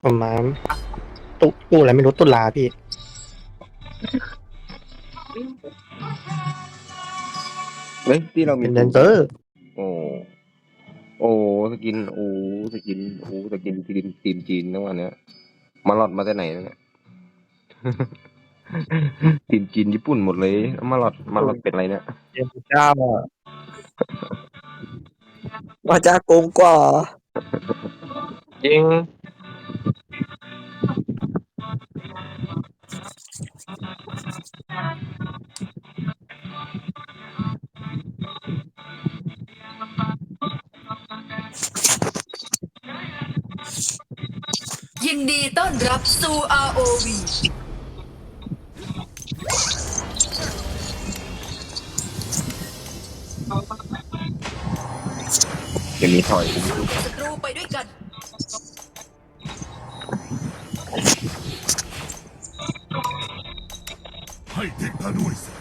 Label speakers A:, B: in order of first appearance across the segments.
A: ประมาณตู้อะไรไม่รู้ตุลาพี่
B: เฮ้ยที่เรามี
A: เป็นแดนเซอร์
B: โอ้โอ้สกินสกินทีมจีนนะวันเนี้ยมาหลอดมาจากไหนเนี่ยทีมจีนญี่ปุ่นหมดเลยมาหลอดเป็นอะไรเนี่ย
A: เจ้าเจ้า
C: ว่าจะโกงกว่า
A: จริง
D: ยินดีต้อนรับสู่ ROV
B: จะมีถอย
D: ศัตรูไปด้วยกัน
E: ให้เด็กข้าด้วยสิ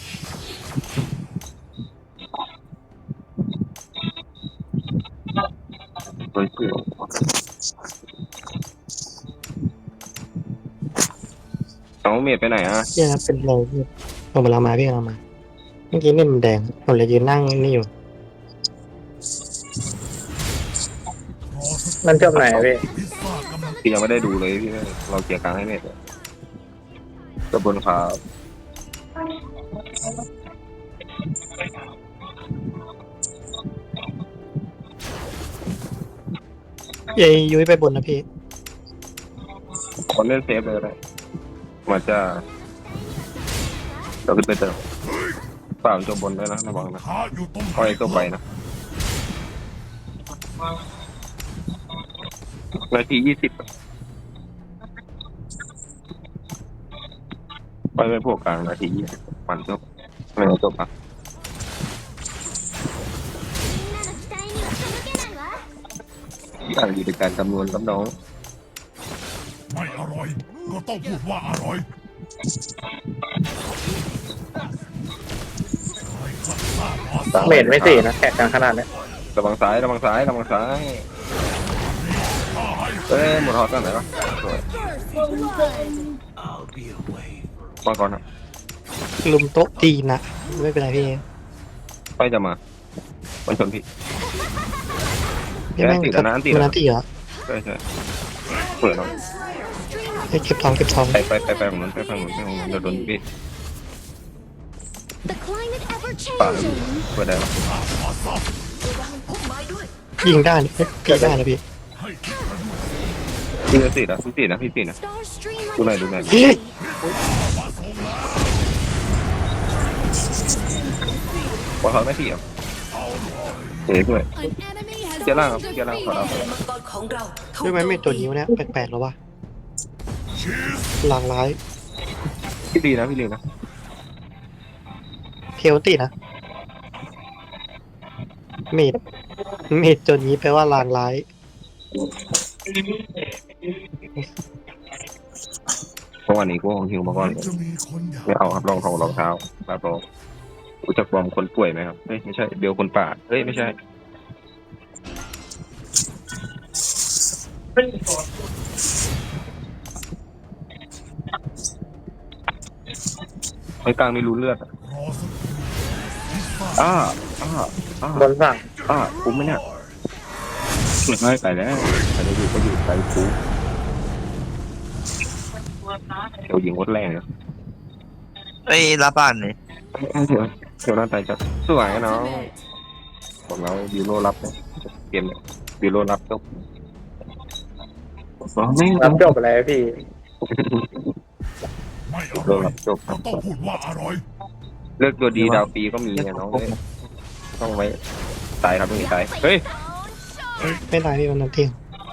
B: เฮ้ยเพื่อนน้องเมดไปไหนอ่ะ
A: เนี่ยนะเป็นเราผมกำลังมาพี่กำลังมาเมื่อกี้เนี่ยมันแดงผมเลยยืนนั่งนี่อยู่
E: รอสัก
A: มันจบไหนพี่
E: พิซซ่ากำลัง
B: พี่ยังไม่ได้ดูเลยพี่เราเกี่ยร์กลางให้เมดกระบวนครับ
A: เย้ยุ้ยไปบนนะพี่
B: คนเล่นเซฟเลยนะมันจะเราขึ้นไปเติมฝ่ามันจบบนด้วยนะระวังนะ
E: ข้าอยู่ตรงไหน
B: คอยตัวไปนะนาที20ไปเป็นพวกกลางนาที20มันจบไม่จบอ่ะอย่างอยู่ในการคำนวณกับน้อง
E: ไม่อร่อย ก็ต้องพูดว่าอร่อยให้ข้าทราบว่า
A: เมดไม่สี่นะแขกกลางขนาดนี้
B: ระวังซ้ายระวังซ้ายระวังซ้าย
E: ข้าให้
B: เอ้ยหมดฮอตกันไหนวะสวยมาก่อนครับ
A: ลุมโต๊ะตีนะไม่เป็นไรพี่
B: ไปจะมามันชนพี่
A: พี่แม่ง
B: ติดแล้วนะติด
A: มัน
B: แล้ว
A: อันตีเหรอ
B: ใช่ใช่เปิดเนาะ
A: ให้เก็บทองเก็บทอง
B: ไปฝั่งนู้นไปฝั่งนู้นเดี๋ยวโดนพี่
F: The climate ever
B: ป่า
F: changing.
B: เปิดได้ปะ
A: ยิงได้นะพี่ได้นะพี่
B: พี่จะติดอ่ะพี่ติดนะพี่ติดนะ
F: Star stream like
B: ดูหน่อย
F: a
B: ดูหน่อย
A: เฮ้ย
B: ว่าเขาไม่ติดอ่ะเฮ้ยด้วย
F: An enemy has
B: เจ้าล่างครับ
F: been
B: เจ้าล่างขอรับ
F: defeated.
D: มังกรของเราถูก
A: ด้วยไหมไม่ตัวนิ้วเนี่ยแปลกๆแล้ววะหลากหลาย
B: พี่ดีนะพี่ดีนะ
A: เพลตีนะเมดตัวนี้แปลว่าลางร้าย
B: เพราะวันนี้กูของหิวมาก่อน
E: จะมีคนอยาก
B: ไม่เอาครับรองเท้าแบบรองรู้จักบอมคนป่วยไหมครับเฮ้ยไม่ใช่เบลคนป่าเฮ้ยไม่ใช่ไอ้กลางไม่รู้เลือดอ่ะ
E: รอสักครู่พิซซ่า
B: อ้า
A: บนฝั่ง
B: คุ้มไหมเนี่ยไม่ไปแล้วไปได้อยู่ก็อยู่ไปคุ้มเดี๋ยวยิงวัดแรงนะ
C: ไอ้รับบ้านนี่
B: เดี๋ยวน่าตายจัดสวยนะน้องบอกเราบิวโรรับนะเกมบิวโรรับจบไม่
A: รับจบอะไรพี่
E: ไม่อ
B: โร
E: ร่อย
B: รับจบ
E: ก็ต้องพูดว่าอร่อย
B: เลือกตัวดีดาวปีก็มีไงน้องต้องไว้ตายครับต้องตายเฮ้ย
A: ไม่ได้พี่มันนั่นเที่ยง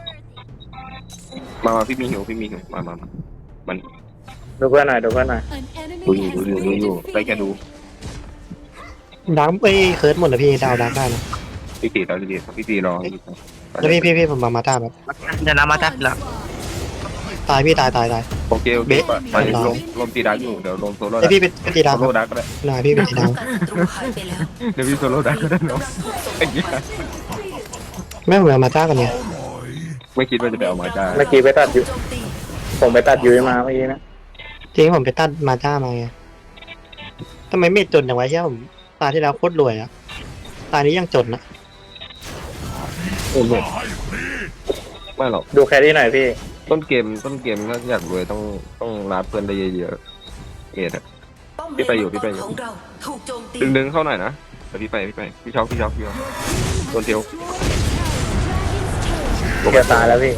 B: มาพี่มีหิวมามัน
A: ดูเพื่อนหน่อยดูเพื่อนหน่อย
F: An enemy
B: ดู
F: has
B: อยู่
F: been
B: ได้แค่ดู
F: defeated.
A: ดังไปเคิร์ดหมดเลยพี่ดาวดังได้นะ
B: พี่ตีรอ
A: แล้วพี่ผมมาตาแบบ
C: จะนำมาจับละ
A: ตายพี่ตาย
B: โอเคไปลมตีดักอยู่เดี๋ยวลมโซโล่
A: ไอพี่เป็นตีดาว
B: โซโล่ดักก็ได้
A: นายพี่เป็นตีดาว
D: ศัตรูหายไปแล้ว
B: เดี๋ยวพี่โซโล่ดักก็ได้เนาะไอ้เหี้ย
A: แม่ผมมาตากันเนี่ย
E: อร่อย
B: ไม่คิดว่าจะไปเอามาจ้า
G: เมื่อกี้ไปตัดอยู่
D: โจมตี
G: ผมไปตัดยุ้ยมาเมื่อกี้นะ
A: จริงผมไปตัดมาจ้ามาไงทำไมไม่จนอย่างไว้เช่ยผมตาที่แล้วโคตรรวยอะตานี้ยังจนนะ
E: ให้ฟรี
B: ไม่หรอก
G: ดูแครี่หน่อยพี่
B: ต้นเกมถ้าอยากรวยต้องรัดเพื่อนได้เยอะๆเอ็ดอะ
D: ป้อม
B: พี่ไปอยู่
D: เลน
B: พี่ไปอยู่
D: ของเราถูกโจมตี
B: ดึงเข้าหน่อยนะเดี๋ยวพี่ไปพี่ช็อกโดนเทียว
G: เกียร์ตายแล้วพี่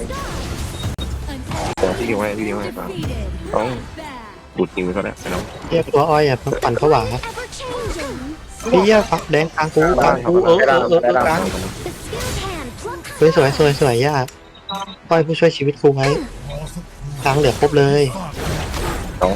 B: พี่ยิงให้ฟังต้องดูดยิงไปเขาได้ไปน้อง
A: เรียกตัวอ้อยอะปั่นผวา
F: Ever changing.
A: พี่เหี้ยฟักแดงกลางกูกลางกูกลาง
F: The skilled hand plucks
A: สวยย่าอ้อยผู้ช่วยชีวิตกูไว้
E: รอสัก
A: กลางเหลือครบเลย
B: น้อง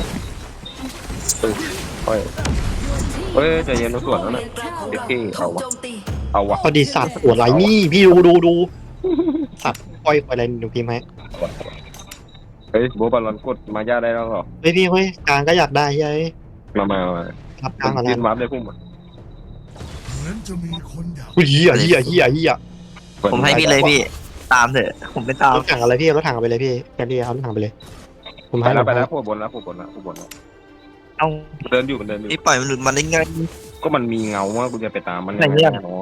B: เฮ้ยใจเย็นนะส่วนนั้น
D: เล
B: น่ะ
D: นกลางของ
B: เด็ก
D: เรา
B: ที่
D: ถู
B: เอา
D: ก
B: วะ
D: โจมตี
B: เอาวะ
A: พอดีสัตว์หัวไหลนี่พี่ดูสัตว์อ้อยอะไรหนูพิมพ์ให้
B: เฮ้ยโบบอลลอนกดมาย่าได้แล้วหรอ
A: เฮ้ยพี่เฮ้ยกลางก็อยากได้เฮ้ย
B: มา
A: รับกลางก่อน
B: ยื
A: นะ
B: นวาร์ปได้พุ่ม
E: เหมือนจะมีคนอยาก
A: อุ้ยเหี้ย
C: ผมให้พี่เลยพี่ ตามเถอะ ผมไม่ตาม
A: รถถังอะไรพี่รถถังเอาไปเลยพี่แกดีเอารถถังไปเลย ผม
B: ไป
A: ให้
B: แล้วพวกบนแล้ว
C: เอา
B: เดินอยู่
C: พี่ปล่อยมันหลุดมาได้ไง
B: ก็มันมีเงาว่ากูจะไปตามมัน
C: ไหนเนี่ย
B: น้อง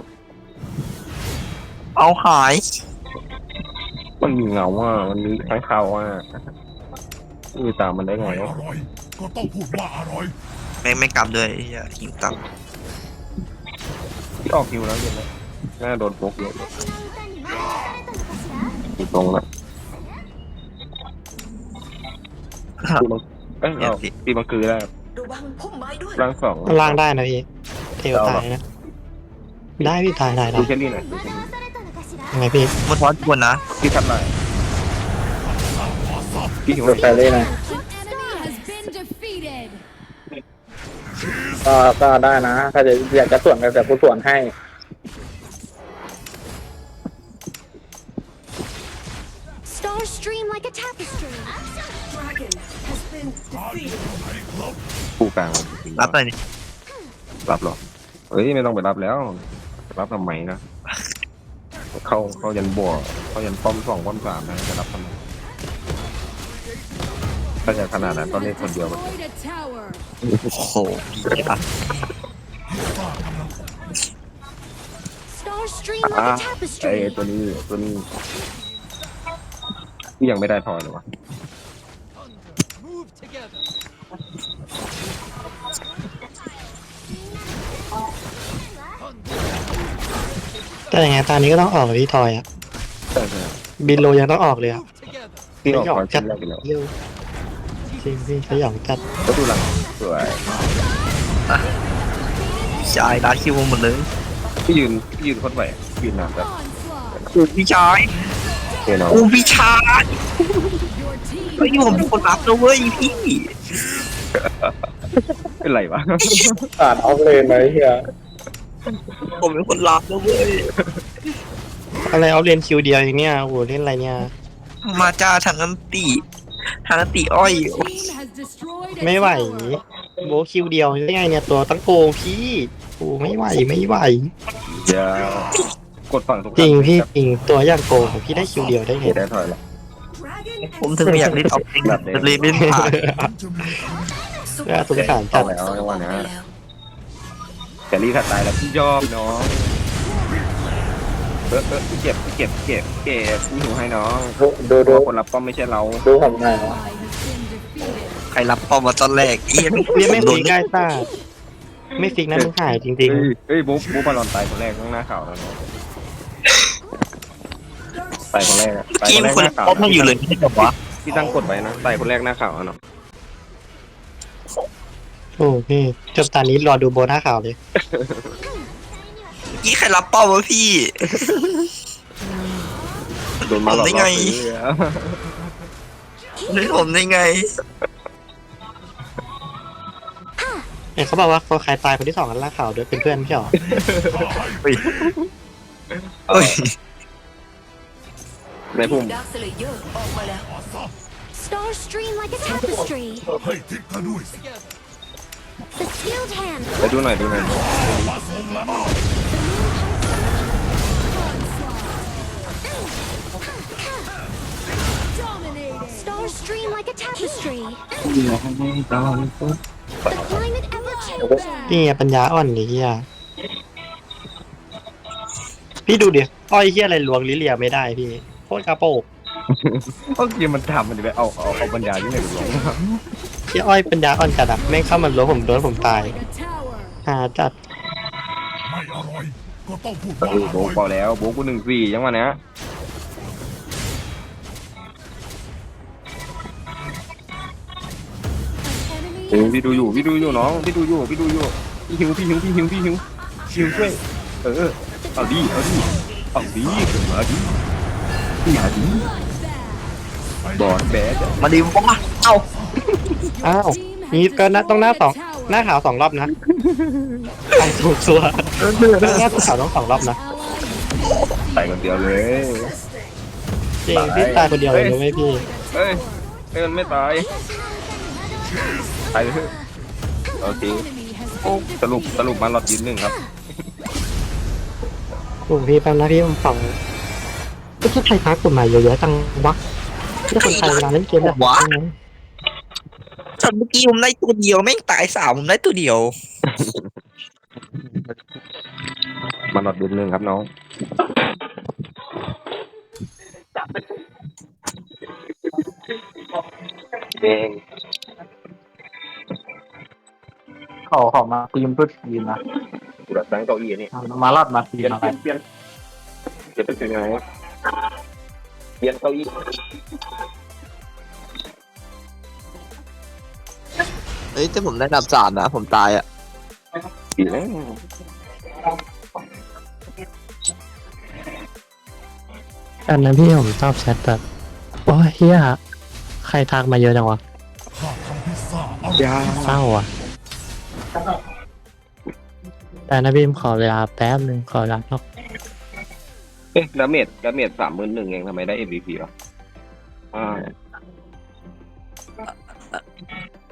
C: เอาหาย
B: มันมีเงาว่ามันมีข้างคาวว่ากูตามมันได้ไง
E: ไม่อ
B: วะ
E: ร่อย ก็ต้องพูดว่าอร่อย
C: ไม่กลับด้วยอย่าหิวตัง
B: ที่ออกคิวแล้วเห็นไหมน่าโดนโป๊กเยอะอยู่ตรงนั้นเอาตีมังคือได้
D: ระวังพุ่มไม้ด้วย
B: ร่างสอง
A: ล่างได้นะพี่เทวตายนะได้พี่ตายได้
B: ดูแค่นี้หน่อย
A: ยังไงพี่
C: มันทอดกวนนะ
B: พี่ทัดไรพี่หิว
G: ดูแครี่หน่อย
F: An enemy has been defeated.
G: ก็ได้นะ ถ้าจะอยากจะส่วนกันแต่ผู้ส่วนให้
F: Stars stream like a tapestry.
B: คู่กลาง
C: รับหน่อยดิ
B: รับหรอเฮ้ยไม่ต้องไปรับแล้วรับทำไมนะเขายันบวกเขายันป้อม2ป้อม3นะจะรับทำไมถ้าจะขนาดนั้นตอนนี้คนเดียวมัน
F: Destroyed a tower.
C: โอ้โหพี่อะ
F: Stars stream
B: อ่า
F: like a
B: ไอ้
F: tapestry.
B: ตัวนี้ที่ยังไม่ได้ทอยเลยวะ
A: แต่ยังไงตอนนี้ก็ต้องออกเลยพี่ทอยอะ
B: ใช่
A: บินโลยังต้องออกเลยอะ
B: ที่ออกทอยชิ้นแรกไปแล้ว
A: เยี่ยวจริงพี่สยองจัด
B: ก็ดูหลังสวย
C: ชายร้านคิวหมดเลย
B: พี่ยืนโคตรไหวยืนนานแบบ
F: Onslaught.
C: กูพี่ชาย
B: เฮ้ยน้อง
C: กูพี่ชาย
F: Your team
C: เฮ้ยผมเป็นคนรับนะเว้ยพี่
B: เป็นไรวะ
G: ตัดออฟเลนเลยเฮีย
C: ผมเป็นคนรับนะเว้ย
A: อะไรเอาเรียนคิวเดียวอย่างเนี้ยโอ้โหเล่นอะไรเนี่ย
C: มาจ้าทางน้ำตีอ้อย
F: team has destroyed a
A: ไม่ไหว
F: tower.
A: โบะคิวเดียวได้ไงเนี่ยตัวตั้งโกงพี่โอ้ไม่ไหว
B: เดี๋ยวกดฝั่งตรง
A: จริงพี่จริงตัวอย่างโกงของพี่ได้คิวเดียวได้ไง
B: ได้ถอยแล้ว
C: ผมถึงไม่อยากเล่นออฟเองเลยเล่นผ่าน
E: เหมือนจะมีคน
A: น่าสงสารจัด
B: แล้วในวันนี้แต่รีถ้าตายแล้วพี่ยอมน้องพี่เก็บพี่หิวให้น้อง
G: ดู
B: คนรับป้อมไม่ใช่เรา
G: ดูผมหน่อย
F: Ally has been defeated.
C: ใครรับปอมมาตอนแรกเอี้ย
A: เรียกไม่ฟิกได้ซ่าไม่ฟิกนะมึงหายจริง
B: เฮ้ยบุ๊บอลลอนตายคนแรกข้างหน้าข่าวแล้วเนาะตายคนแรกตาย
C: กิ
B: คน นแรก
C: คน
B: หน้าข่าว
C: ปอมมาอยู่เลยไม่ใช่เหรอวะ
B: พี่ตั้งกดไว้นะตายคนแรกหน้าข่าวเนาะ
A: ๆโอ้พี่จบตอนนี้รอดูโบนัสข่าวเลย
C: กี้ใครรับปอมวะพี่
B: โดนมาหลอก
C: ได้ไง นึกผมได้ไง
A: เนี่ยเขาบอกว่าเขาใครตายคนที่2กันล่าข่าวด้วยเป็นเพื่อนไม่ใช่หรอ
C: เอ้ย
B: ในพุ่ม
D: ดาร์คสเลเยอร์ออกมาแล้ว
F: Stars stream like a tapestry.
E: ให้ทิกกันด้วยสิ
F: The skilled hand
B: ไปดูหน่อย
E: มาส่งแล้ว
F: onslaught. stars stream like a tapestry.
B: ตอน
F: The climate ever changes.
A: นี่ไงปัญญาอ่อนนี่เฮียพี่ดูดิอ้อยเฮียอะไรลวงลิเลียไม่ได้พี่โคตรกระโปง
B: โอเคมันทำมันจะไปเอาปัญญาที่ไหนไปลง
A: เฮียอ้อยปัญญาอ่อนจัดอะแม่งเข้ามาล้วงผมโดนผมตาย
F: Like a tower.
A: หาจัด
E: ไม่อร่อย ก็ต้องพูด
B: โอ้
E: ว่าอ
B: โห
E: ร่อย
B: พอแล้วโบกู1-4ยังวะเนี้ย
F: An enemy
B: พี่ดูอยู่น้องพี่ดูอยู่พี่หิวช่วยเอาดิมาดิบอดแบด
C: มาดิวะเอ้า
A: อ้าวนี่ก็ต้องหน้าขาว2 รอบนะใครถูกซัวหน้าขาวต้อง2 รอบนะ
B: ใส่คนเดียวเลย
A: จริงพี่ตายคนเดียวเลยรู้ไหมพี่
B: เฮ้ยมันไม่ตายตายเลยโอเค
F: enemy has
B: โอ้สรุปมาหลอดยืน1ครับ
A: โอ้พี่แป๊บนะพี่ผมฟังก็ใครทักกฎหมายเยอะๆจังวะที่คนไทยเวลาเล่นเกมแบบนี้
C: ตอนเมื่อกี้ผมได้ตัวเดียวแม่งตาย3ผมได้ตัวเดียว
B: มาหลอดยืน1ครับน้องเอง
G: เขามาทีมเพื่อทีมนะ
B: กูรัดตั้งเก้าอี้นี่
G: มาลอดมาที
B: เปลี่
G: ม
B: ยน
G: อะไร
B: เปลี่ยนจะเป็นยังไงเปลี่ยนเก้าอี้
C: เฮ้ยแต่ผมได้อันดับ3นะผมตายอ่ะ
B: ดีแล้ว
A: อันนั้นพี่ผมชอบแชทแบบโอ้ยเฮียใครทักมาเยอะจังวะ
E: ข้าทำพิซซ่าอร่อย
B: ยา
A: เศร้าอ่ะแต่นะพี่ขอเวลาแป๊บนึงขอเวลาสัก
B: ดาเมจ31,000เองทำไมได้ MVP หรอ